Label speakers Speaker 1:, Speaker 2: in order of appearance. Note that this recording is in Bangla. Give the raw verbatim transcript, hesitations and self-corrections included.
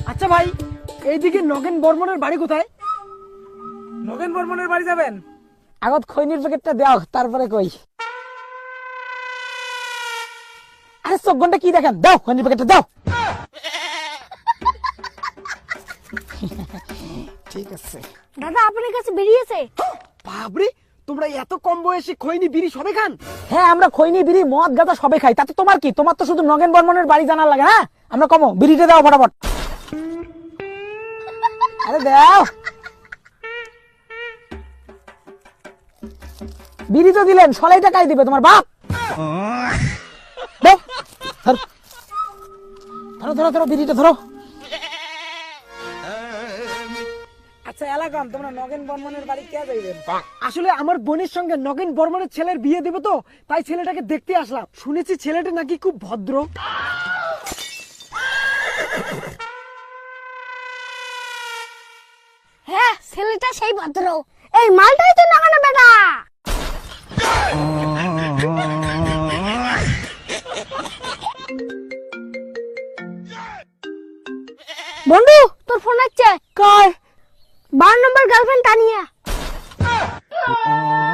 Speaker 1: আচ্ছা ভাই, এইদিকে নগেন বর্মনের বাড়ি কোথায়?
Speaker 2: নগেন বর্মনের বাড়ি যাবেন?
Speaker 1: আগত খৈনির প্যাকেটটা দাও, তারপরে কই। আরে চোখ ঘন্টা কি দেখেন, দাও খৈনির প্যাকেটটা দাও। ঠিক আছে
Speaker 3: দাদা, আপনার কাছে বেরিয়েছে।
Speaker 1: বাবরে, তোমরা এত কম বয়সে খৈনি বিড়ি সবে খান? হ্যাঁ, আমরা খৈনি বিড়ি মদ গাঁজা সবে খাই। তাতে তোমার কি? তোমার তো শুধু নগেন বর্মনের বাড়ি জানার লাগে। হ্যাঁ, আমরা কমো, বিড়িটা দাও ফটাফট। আরে দাও, বিড়ি তো দিলেন, সলাই টাকাই দিবে তোমার বাপ। দাও, ধরো ধরো ধরো ধরো বিড়িটা ধরো। আচ্ছা এলাকাম, তোমরা নগেন বর্মনের বাড়ি কে যাইবেন? আসলে আমার বোনের সঙ্গে নগেন বর্মনের ছেলের বিয়ে দেবো তো, তাই ছেলেটাকে দেখতে আসলাম। শুনেছি ছেলেটা নাকি খুব ভদ্র।
Speaker 3: হ্যাঁ, ছেলেটা সেই ভদ্র। এই মালটাই তো নাগানো বেটা। বন্ধু, তোর ফোন আসছে।
Speaker 1: কয়
Speaker 3: বারো নম্বর গার্লফ্রেন্ড তানিয়া।